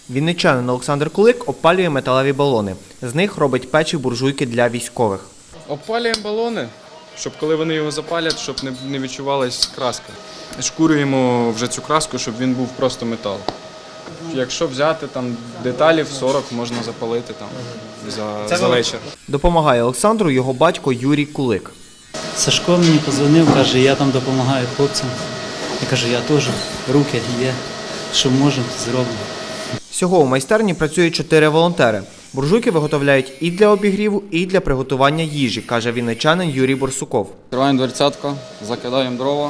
Вінничанин Олександр Кулик опалює металеві балони. З них робить печі буржуйки для військових. Опалюємо балони, щоб коли вони його запалять, щоб не відчувалась краска. Шкурюємо вже цю краску, щоб він був просто метал. Якщо взяти там деталів 40, можна запалити там за вечір. Допомагає Олександру його батько Юрій Кулик. Сашко мені подзвонив, каже, я там допомагаю хлопцям. Я кажу, я теж, руки є, що можемо, зробимо. Всього у майстерні працюють 4 волонтери. Буржуйки виготовляють і для обігріву, і для приготування їжі, каже вінничанин Юрій Борсуков. Відкриваємо дверцятку, закидаємо дрова,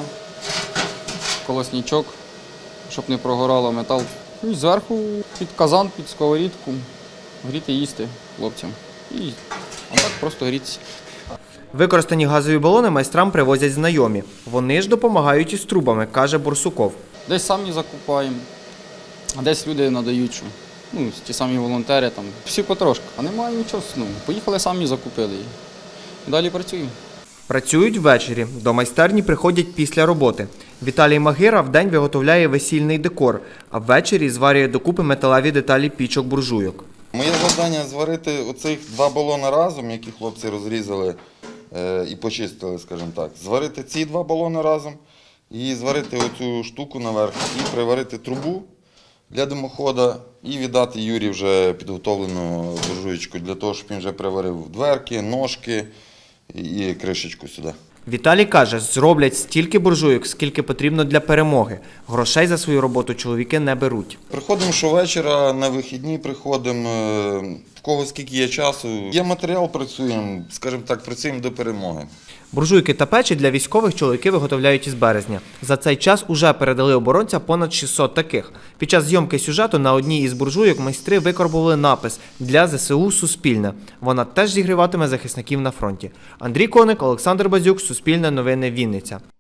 колосничок, щоб не прогорало метал. І зверху під казан, під сковорідку гріти їсти хлопцям. І так просто грітися. Використані газові балони майстрам привозять знайомі. Вони ж допомагають із трубами, каже Борсуков. Десь самі закупаємо, а десь люди надають, що. Ті самі волонтери, там, всі потрошки. А немає нічого, поїхали самі закупили і далі працюємо. Працюють ввечері. До майстерні приходять після роботи. Віталій Магира вдень виготовляє весільний декор, а ввечері зварює докупи металеві деталі пічок буржуйок. Моє завдання зварити оцих 2 балони разом, які хлопці розрізали і почистили, скажімо так. Зварити ці 2 балони разом і зварити оцю штуку наверх і приварити трубу для димохода і віддати Юрі вже підготовлену буржуєчку для того, щоб він вже приварив дверки, ножки і кришечку сюди. Віталій каже, зроблять стільки буржуйок, скільки потрібно для перемоги. Грошей за свою роботу чоловіки не беруть. Приходимо щовечора, на вихідні приходимо, в кого скільки є часу. Є матеріал, працюємо, скажімо так, працюємо до перемоги. Буржуйки та печі для військових чоловіки виготовляють із березня. За цей час уже передали оборонцям понад 600 таких. Під час зйомки сюжету на одній із буржуйок майстри викарбували напис «Для ЗСУ Суспільне». Вона теж зігріватиме захисників на фронті. Андрій Коник, Олександр Базюк, Суспільне новини, Вінниця.